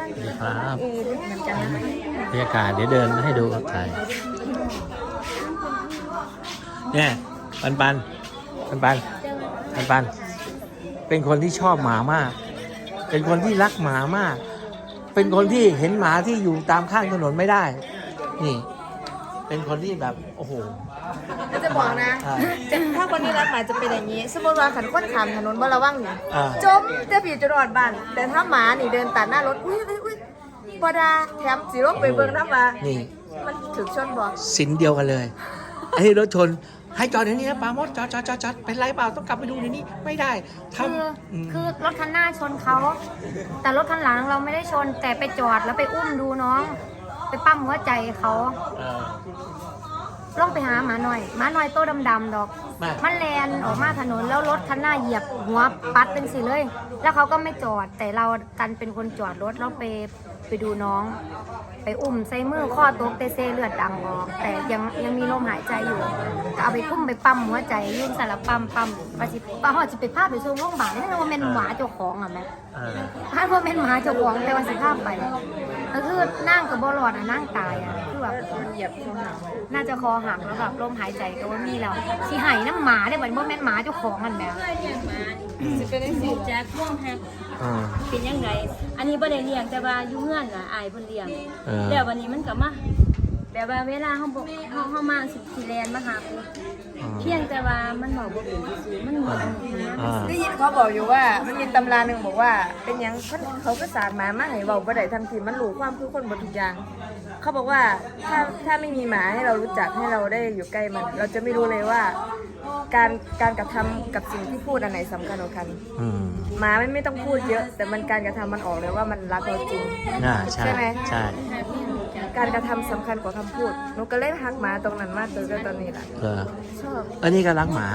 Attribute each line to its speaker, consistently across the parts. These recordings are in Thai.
Speaker 1: ครับ
Speaker 2: เหมือนกันนะ
Speaker 1: บรรยากาศเดี๋ยวเดินให้ดูครับถ่ายเนี่ยปันปันปันปันปันปันเป็นคนที่ชอบหมามาก เป็นคนที่รักหมามาก เป็นคนที่เห็นหมาที่อยู่ตามข้างถนนไม่ได้ นี่ เป็นคนที่แบบโอ้โห
Speaker 2: ก็จะบอกนะถ้าคนที่รักหมาจะเป็นอย่างนี้ สมมติว่าขันคนขามถนนบ่ระวังนี่จมเจะผีจะรอดบ้านแต่ถ้าหมานี่เดินตัดหน้ารถอุ้ยบอดาแถมสีรถไปเบิ่งน้ำมา
Speaker 1: นี่
Speaker 2: มันถึงชนบอก
Speaker 1: สินเดียวกันเลยไอ้รถชนให้จอดอย่างนี้นะปาโมดจอดเป็นไรเปล่าต้องกลับไปดูในนี้ไม่ได้ทำ
Speaker 3: คือรถคันหน้าชนเขาแต่รถคันหลังเราไม่ได้ชนแต่ไปจอดแล้วไปอุ้มดูน้อง ไปปั้มหัวใจเขาลองไปหาหมาหน่อยโตดำๆดอกมันแลนออกมาถนนแล้วรถคันหน้าเหยียบหัวปัดเป็นสิเลยแล้วเขาก็ไม่จอดแต่เรากันเป็นคนจอดรถแล้วไปดูน้อง ไปอุ้มใส่มือข้อตกเตเซเลือดดังออกแต่ยังมีลมหายใจอยู่ก็เอาไปคุ้มไปปั๊มหัวใจยุ่งสารปั๊มปะจิป้าหอจะไปพาไปส่งโรงพยาบาลนี่ว่าเป็นหมาเจ้าของอ่ะแม่ถ้าว่าเป็นหมาเจ้าของแต่วันสิพาไปก็คือนั่งกับบอลอดนั่งตายอ่ะคือแบบ
Speaker 2: มันเหยียบคอหัก
Speaker 3: น่าจะคอหักแล้วแบบลมหายใจก็ว่ามีแล้วสิหายน้ำหมาได้เหมือนว่าแม่นหมาเจ้าของกันแม่
Speaker 2: จะเป็นสิ
Speaker 4: แจ็คพ่วงแฮกเป็นยังไงอันนี้บ่ได้เลี้ยงแต่ว่าอยู่เงื่อนน่ะอายเพิ่นเลี้ยงแล้ววันนี้มันก็มาแบบว่าเวลาเฮามาสิแลนมาหาเพียงแต่ว่ามันบอกบ่เป็นซื่อมันเหมือน
Speaker 2: ได้ยินเขาบอกอยู่ว่ามันมีตำราหนึ่งบอกว่าเป็นยังเขาก็สารหมามาให้เบาบ่ได้ทันทีมันรู้ความคือคนบนทุกอย่างเขาบอกว่าถ้าไม่มีหมาให้เรารู้จักให้เราได้อยู่ใกล้มันเราจะไม่รู้เลยว่าการกระทำกับสิ่งที่พูดอันไหนสำคัญกว่ากันหมาไม่ต้องพูดเยอะแต่มันการกระทำมันออกเลยว่ามันรักเราจริงใช่ไหม
Speaker 1: ใช่
Speaker 2: การกระทำสำคัญกว่าคำพูดหนูก็เล่นฮักหมาตรงนั้นมากเลยตอนนี้แหละชอบ
Speaker 1: อันนี้ก็รักหมา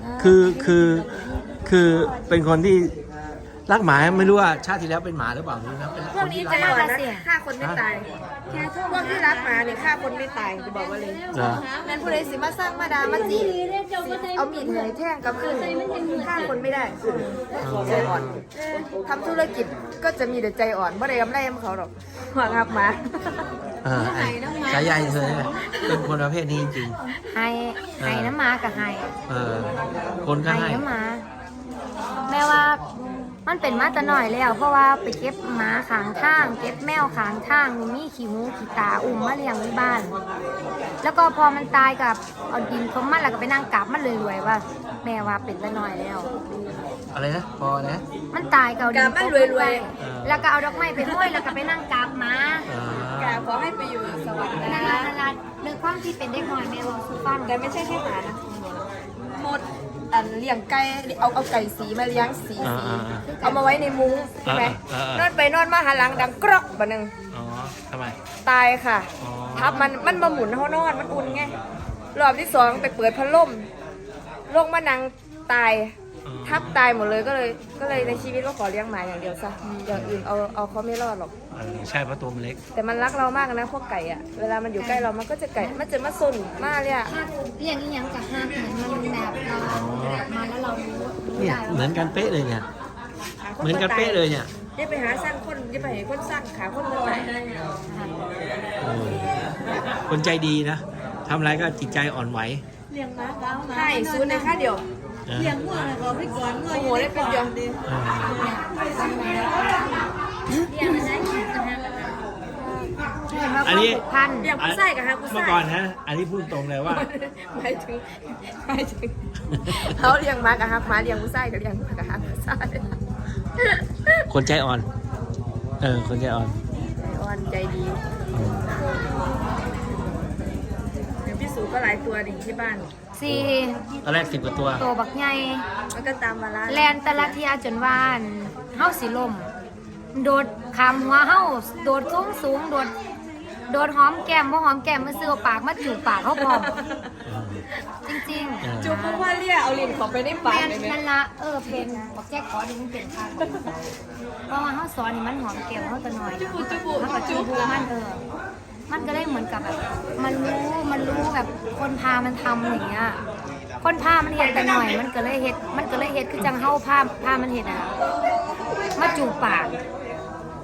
Speaker 1: คือเป็นคนที่รักหมาไม่รู้ว่าชาติที่แล้วเป็นหมาหรือเปล่ารู้นะ
Speaker 2: พวกนี้ใจอ่อนนะฆ่าคนไม่ตายพวกที่รักหมาเนี่ยฆ่าคนไม่ตายจะบอกว่าเลยแมนผู้ใดสิมาสร้างมาดามาจีเอามีดเหนื่อยแท่งกับขึ้นฆ่าคนไม่ได้ใจอ่อนทำธุรกิจก็จะมีแต่ใจอ่อนไม่ได้กำไรให้เขาหรอกหัวงับหมา
Speaker 1: ใจใหญ่เธอเป็นคนประเภทนี้จริง
Speaker 3: ให้น้ำหมากับให้
Speaker 1: คนก็ให้
Speaker 3: น้ำหมาแม่ว่ามันเป็นมาแต่หน่อยแล้วเพราะว่าไปเก็บหมาขางทางเก็บแมวขางทางมีขี้หูขี้ตาอุ้มมาเลี้ยงในบ้านแล้วก็พอมันตายกับเอาดินทมมันแล้วก็ไปนั่งกราบมันรวยๆว่าแม่ว่าเป็นแต่หน่อยแล้ว
Speaker 1: อะไรนะพอนะ
Speaker 3: มันตายกับดิน
Speaker 2: มันรวย
Speaker 3: ๆแล้วก็เอาดอกไม้ไปห้อยแล้วก็ไปนั่งกราบหมาก
Speaker 2: ราบขอให้ไปอยู่สวรรค์
Speaker 3: นั่นละเรื่องความที่เป็นเด็กน้อยแม่บอกสุฟัง
Speaker 2: แต่ไม่ใช่แค่หมานะหมดอันเลี้ยงไก่เอาไก่สีมาเลี้ยงสีเอามาไว้ในมุ้งใช่ไหมนอนไปนอนมาหาหลังดังกรอกบะนึง
Speaker 1: ทำไม
Speaker 2: ตายค่ะทับมันมาหมุนเขานอนมันอุ่นไงรอบที่สองไปเปิดพัดลมลงมานังตายทับตายหมดเลยก็เลยในชีวิตก็ขอเลี้ยงหมาอย่างเดียวซะอย่างอื่นเอาเขาไม่รอดหรอก
Speaker 1: ใช่เพราะตัวมันเล็ก
Speaker 2: แต่มันรักเรามากนะพวกไก่อ่ะเวลามันอยู่ใกล้เรามันก็จะไก่มันจะมาซนมากเลยอ่ะ
Speaker 3: เลี้ยงอย่างกับห้าเหมือนมันแบบเรามาแล้วเรารู้
Speaker 1: เนี่ยเหมือนกันเป๊ะเลยเนี่ยเหมือนกันเป๊ะเลยเนี่ย
Speaker 2: อย่าไปหาสร้างคนอย่าไปหาคนสร้างขาคนมาตาย
Speaker 1: คนใจดีนะทำอะไรก็จิตใจอ่อนไหว
Speaker 2: เลี้ยงม้าใช่ซูนในค่าเดียว
Speaker 4: เลี้ยงหัวอะไรก็ไม่ก่อน
Speaker 2: โอ้โหได้เป็นเดียว
Speaker 1: อันนี้
Speaker 2: เลี้ยงผู้ชายกับฮะผู้ชาย
Speaker 1: เมื่อก่อนนะอันนี้พูดตรงเลยว่า
Speaker 2: ไม่ถึงเขาเลี้ยงม้ากับฮะม้าเลี้ยงผู้ชายกับเลี้ยงกับฮะผู้ชาย
Speaker 1: คนใจอ่อนคนใจอ่อน
Speaker 2: ใจดีพี่สูก็หลายตัวดิที่บ้าน
Speaker 1: ตอนแรก10 กว่าตัว
Speaker 3: บักใหญ่
Speaker 2: มันก็ตามมาละ
Speaker 3: แลนแต่ละเทียจนว่านเฮาสิลมโดดขามหัวเฮาโดดสูงโดดหอมแก้มบ่หอมแก้มมาซื้อปากมาจูบปากเขาพร้อมจริง
Speaker 2: ๆจูบเพราะว่าเลี่ยเอาลิ้นเข้าไปในปากเลย
Speaker 3: นั่นละเพนบอกแจ๊กขอดิมันเป็นค่ะเพราะว่าเฮาสอนนี่มันหอมแก้มเฮาตะหน่อยมันก็จูบมันก็ได้เหมือนกับแบบมันรู้แบบคนพามันทำอย่างเงี้ยคนพามันเห็ดแต่หน่อยมันก็เลยเห็ดคือจังเฮาพามันเห็ดมาจูบปาก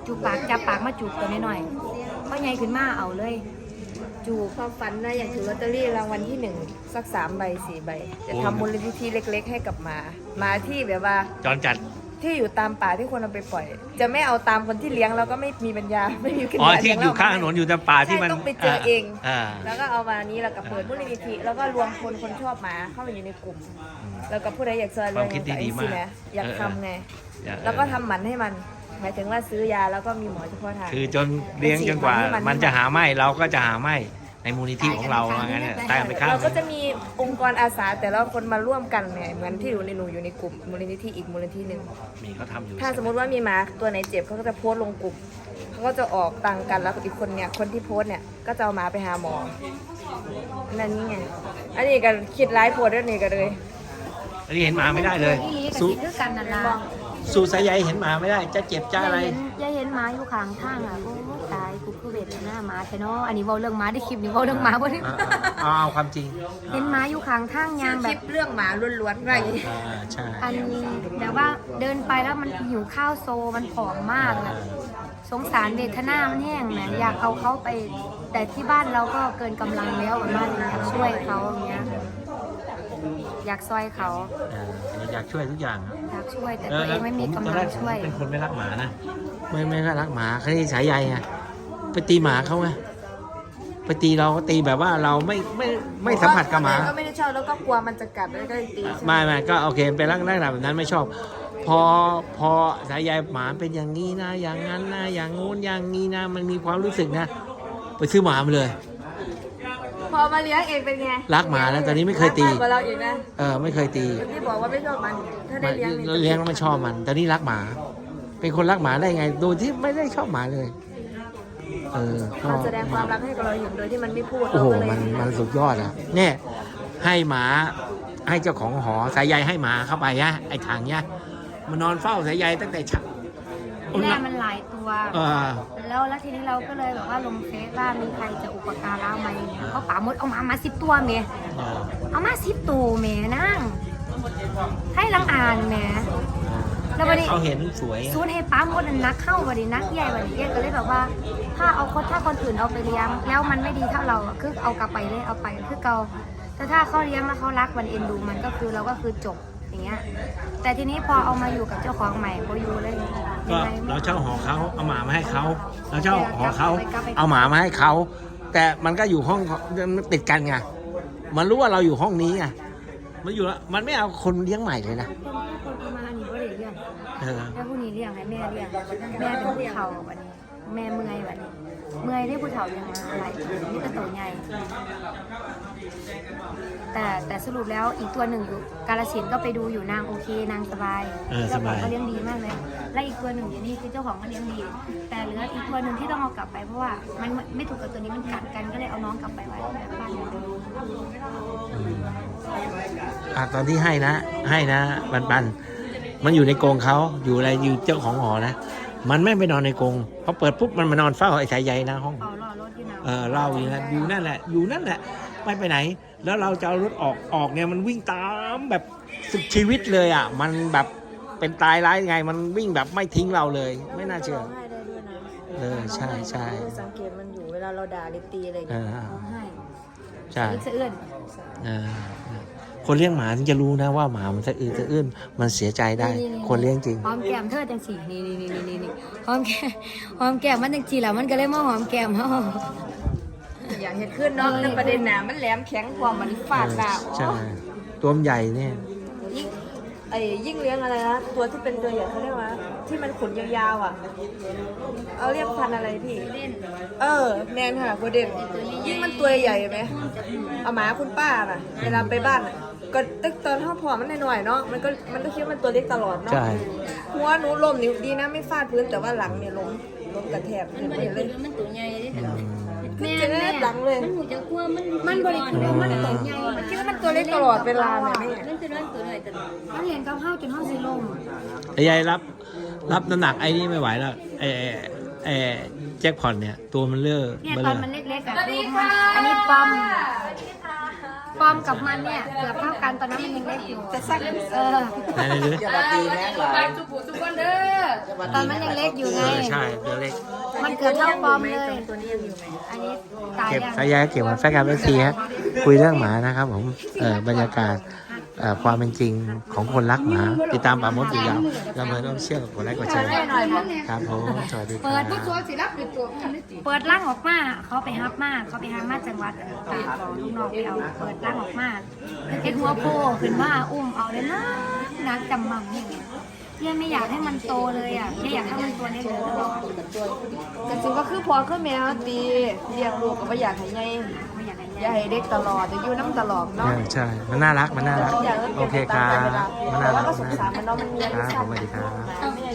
Speaker 3: จูบปากจับปากมาจูบตัวน้อยๆพอใหญ่ขึ้นมาเอาเลยจูบ
Speaker 2: ความฝันนะอย่างถือลอตเตอรี่รางวัลที่1สัก3 ใบ 4 ใบจะทำมูลนิธิเล็ก ๆ ให้กับหมาที่แบบว่า
Speaker 1: จอนจัด
Speaker 2: ที่อยู่ตามป่าที่คนเอาไปปล่อย จะไม่เอาตามคนที่เลี้ยงแล้วก็ไม่มีปัญญาไม่มีปัญ
Speaker 1: อ๋อ
Speaker 2: ญา
Speaker 1: ที่อยู่ข้างถนนอยู่แต่ป่าที่มัน
Speaker 2: ใช่ต้องไปเจอเอง
Speaker 1: อ่า
Speaker 2: แล้วก็เอามานี้แล้วก็เปิดมูลนิธิแล้วก็รวมคนชอบหมาเข้ามาอยู่ในกลุ่ม แล้วก็ผู้ใดอยากซอย
Speaker 1: ความคิดที่ดีมาก
Speaker 2: นะอยากทำไง
Speaker 1: เออ
Speaker 2: แล้วก็ทำหมันให้มัน หมายถึงว่าซื้อยาแล้วก็มีหมอเฉพาะทาง
Speaker 1: คือจนเลี้ยงจนกว่า มันจะหาไม่เราก็จะหาไม่ในมูลนิธิของเราว่างั้นเนี่ยตายไปข้าง
Speaker 2: เราก็จะมีองค์กรอาสาแต่ละคนมาร่วมกันไงเหมือนที่หนูอยู่ในกลุ่มมูลนิธิอีกมูลนิธิหนึ่ง
Speaker 1: มีเขาทำอยู่
Speaker 2: ถ้าสมมติว่ามีหมาตัวไหนเจ็บเขาก็จะโพสต์ลงกลุ่มเขาก็จะออกตังค์กันแล้วอีกคนเนี่ยคนที่โพสต์เนี่ยก็จะเอาหมาไปหาหมอนั่นนี่ไงอันนี้ก็คิดร้ายโพสต์ด้วยนี่ก็เลย
Speaker 1: อันนี้เห็นหมาไม่ได้เลย
Speaker 3: อีหลีกับ
Speaker 1: สู้
Speaker 3: สิคือกันนั่นล่ะ
Speaker 1: สู้สายใยเห็นหมาไม่ได้ จะเจ็บจะอะไร
Speaker 3: ยายเห็นหมาอยู่ข้างทางอ่ะโอ้ตายกูคือเวทนาหมาใช่เนาะอันนี้เว้าเรื่องหมาได้คลิปนี้เว้าเรื่องหมาบ่ได้
Speaker 1: เอาความจริง
Speaker 3: เห็นหมาอยู่ข้างทางยาง
Speaker 2: ค
Speaker 3: แบ
Speaker 2: ลิ
Speaker 3: บ
Speaker 2: ปเรื่องหมาล้วนๆไร
Speaker 1: ใช่
Speaker 3: อันแบบว่าเดินไปแล้วมันหิวข้าวโซมันผอมมากนะสงสารเวทนามันแห้งนะอยากเอาเขาไป แต่ที่บ้านเราก็เกินกำลังแล้วประมาณนี้อยากช่วยเขาอย่างเงี้ยอยากซอยเขา
Speaker 1: อยากช่วยทุกอย่าง
Speaker 3: อยากช่วยแต่ตัวเองไม่มีกำลังช่วย
Speaker 1: เป็นคนไม่รักหมานะไม่รักหมาแค่นี้สายใยไงไปตีหมาเขาไงไปตีเราก็ตีแบบว่าเราไม่สัมผัสกับหมา
Speaker 2: ก็ไม่ได้ชอบแล้วก็กลัวมันจะกัดแล้วก็ตีใช่ไหม
Speaker 1: ไม่ก็โอเคเป็นลักษณะแบบนั้นไม่ชอบ พอสายใยหมาเป็นอย่างนี้นะอย่างนั้นนะอย่างงู้นอย่างนี้นะมันมีความรู้สึกนะไปซื้อหมามาเลย
Speaker 2: พอมาเลี้ยงเองเป็นไง
Speaker 1: รักหมาแล้วตอนนี้ไม่เคยตี
Speaker 2: รักมากกว่าเราอีกนะ
Speaker 1: ไม่เคยตี
Speaker 2: ที่บอกว่าไม่ชอบมันถ้าได้เลี้ยงนี่
Speaker 1: เลี้ยงแล้วไม่ชอบมันตอนนี้รักหมา เป็นคนรักหมาได้ไงโดยที่ไม่ได้ชอบหมาเลยก็
Speaker 2: มันแสดงความรักให้กับเราเห็นโดยที่มันไม่พูด
Speaker 1: โอ้โห
Speaker 2: เราก็เลย
Speaker 1: มันสุดยอดอ่ะเนี่ยให้หมาให้เจ้าของหอสายใยให้หมาเข้าไปนะไอ้ถังเนี่ยมันนอนเฝ้าสายใยตั้งแต่เช้า
Speaker 3: แม่มันหลายตัว
Speaker 1: เออ
Speaker 3: แล้วทีนี้เราก็เลยแบบว่าลงเฟซว่ามีใครจะอุปการะไหมเขาป่ามดเอามา10 ตัวเมย์เอามา10 ตัวเมย์นั่งให้ลังอ่านเมย์แล้ววันนี้
Speaker 1: เขาเห็นสวย
Speaker 3: ซูนให้ป้ามดนักเข้าวันนี้นักใหญ่วันนี้ก็เลยแบบว่า ถ้าคนอื่นเอาไปเลี้ยง แล้วมันไม่ดีเท่าเราคือเอากลับไปเลยเอาไปคือเกาแต่ถ้าเขาเลี้ยงแล้วเขารักมันเอ็นดูมันก็คือเราก็คือจบอย่างเงี้ยแต่ทีนี้พอเอามาอยู่กับเจ้าของใหม่พออยู่เลย
Speaker 1: ก็เราเช่าหอเขาเอาหมามาให้เขาเราเช่าหอเขาเอาหมามาให้เขาแต่มันก็อยู่ห้องมันติดกันไงมันรู้ว่าเราอยู่ห้องนี้ไงมันอยู่แล้วมันไม่เอาคนเลี้ยงใหม่เลยนะ
Speaker 3: คนประมาณนี้ก็เลยเลี้ยง
Speaker 1: เออ
Speaker 3: แล้วผู้นี้เลี้ยงให้แม่เลี้ยงแม่เป็นผู้เฒ่าวันนี้แม่เมื่อยวันนี้เมื่อยได้ผู้เฒ่ายังมาอะไรนี่ก็ตัวใหญ่แต่สรุปแล้วอีกตัวหนึ่งอยู่กาฬสินธุ์ก็ไปดูอยู่นางโอเคนางสบายเจ้าของก็เลี้ยงดีมากเลยและอีกตัวหนึ่งอยู่นี่คือเจ้าของก็เลี้ยงดี แต่เหลืออีกตัวหนึ่งที่ต้องเอากลับไปเพราะว่ามันไม่ถูกกับตัวนี้มันกัดกันก็เลยเอาน้องกลับไปไว้บ้านเรา
Speaker 1: ตอนที่ให้นะปันมันอยู่ในกรงเขาอยู่อะไรอยู่เจ้าของหอนะมันไม่ไปนอนในกรงพอเปิดปุ๊บมันมานอนเฝ้าไอ้สายใยหน้าห้อง
Speaker 3: เอาล่อรถอยู่นะ
Speaker 1: เล่าอยู่นั่นแหละไม่ไปไหน แล้วเราจะเอารถออกเนี่ยมันวิ่งตามแบบสุดชีวิตเลยอ่ะมันแบบเป็นตายร้ายยังไงมันวิ่งแบบไม่ทิ้งเราเลย ไม่น่าเชื่อ
Speaker 2: ให้ได้ด้วยนะ
Speaker 1: ใช่
Speaker 2: สังเกตมันอยู่เวลาเราด่าหรือตีอะไรอย่าง
Speaker 1: เอ
Speaker 2: เงี้ย
Speaker 1: อ
Speaker 3: ร้องไห้
Speaker 1: ใช่
Speaker 3: สะเอื้อน
Speaker 1: คนเลี้ยงหมาถึงจะรู้นะว่าหมามันสะอื้นมันเสียใจได้ คนเลี้ยงจริง
Speaker 3: หอมแก้มเธอจังสีนี่หอมแก้มมันจังสีแล้วมันก็เลยมาหอมแก้มเฮา
Speaker 2: อยากเห็นขึ้นเนาะในประเด็นหนามันแหลมแข็งกว่ามันฟาดหน้า
Speaker 1: ใช่ตัวมันใหญ่เนี่ย
Speaker 2: ยิ่งเลี้ยงอะไรนะตัวที่เป็นตัวใหญ่เขาเรียกว่าที่มันขนยาวๆอ่ะเอาเรียกพันธุ์อะไรพี่แมนค่ะโคเดนยิ่งมันตัวใหญ่ไหมเอาหมาคุณป้าน่ะเวลาไปบ้านก็ตั้งตอนพ่อผอมมันหน่อยๆเนาะมันก็คิดว่ามันตัวเล็กตลอดเนาะ
Speaker 1: ใช่
Speaker 2: หัวหนูล้มนิ้วดีนะไม่ฟาดพื้นแต่ว่าหลังเนี่ยล้มกระแทก
Speaker 4: มันบ่ได้เป็นมันตัวใหญ่เด้
Speaker 2: ขึ้นเจ็บหลังเลย
Speaker 4: มันหูจะกลัวมัน
Speaker 3: บริสุทธิ์มันตัวใหญ่
Speaker 2: มันคิดว่ามันตัวเล็กตลอดเวลาเลยแม่
Speaker 4: มันคือตัวน้อยตลอด
Speaker 3: มันเห็นกับข้าวจนห้องสิลม
Speaker 1: ไอ้ยายรับน้ำหนักไอ้นี่ไม่ไหวแล้วไอ้แจ็คพอตเนี่ยตัวมันเลื่อะ
Speaker 3: เนี่ย
Speaker 1: เบ
Speaker 3: ต
Speaker 1: ล
Speaker 3: อน
Speaker 1: อ
Speaker 3: มันเล็กๆอะคืออันนี้ปอมปอมกับมันเนี่ยเกือบเท่ากันตอนนั้นมันยังเล็กอยู่
Speaker 2: จะสัก
Speaker 1: ไหนดูดิ
Speaker 3: ตอนมันยังเล็กอยู่ไง
Speaker 1: ใช่ตัวเล็ก
Speaker 3: มันเกือบเท่าปอมเลย
Speaker 2: ตัวนี้ยังอยู่ไหม
Speaker 3: อันนี้ตาย
Speaker 1: เก็บ
Speaker 3: ยัง
Speaker 1: สายยาเก็บมาแฟนการเอฟซีฮะคุยเรื่องหมานะครับผมบรรยากาศความเป็นจริงของคนรักหมาติดตามป่ามดอยู่ยาวแล้วเมื่อต้องเชื่อกดไลค์กดแชร์ครับผมสวัสดีครับ
Speaker 3: เปิดร่างออกมาเขาไปฮับมาจังหวัดตากลูกน้องไปเอาเปิดร่างออกมาเห็นหัวโผล่ขึ้นมาอุ้มเอาเลยนะนักจำมั่มอย่างเงี้ยเนี่ยไม่อยากให้มันโตเลยอ่ะแค่อยากให้มันตัวเล็กๆตลอด
Speaker 2: แต่จริงก็คือพอคือแมวตีเลี้ยงลูกก็ไม่อยากให้ใหญ่
Speaker 3: ไม่อยากให้
Speaker 2: อยากให้เด็กตลอดจะอยู่น้ำตลอดเนาะ
Speaker 1: ใช่ มันน่ารัก มันน่ารัก โอเคครับ มันน่ารัก
Speaker 2: แล้วก็สงสารมันเนาะมันเลี้ยง
Speaker 1: ครับ
Speaker 2: สั
Speaker 1: ผ
Speaker 2: ต
Speaker 1: ม
Speaker 2: ว์
Speaker 1: สวัสดีครับ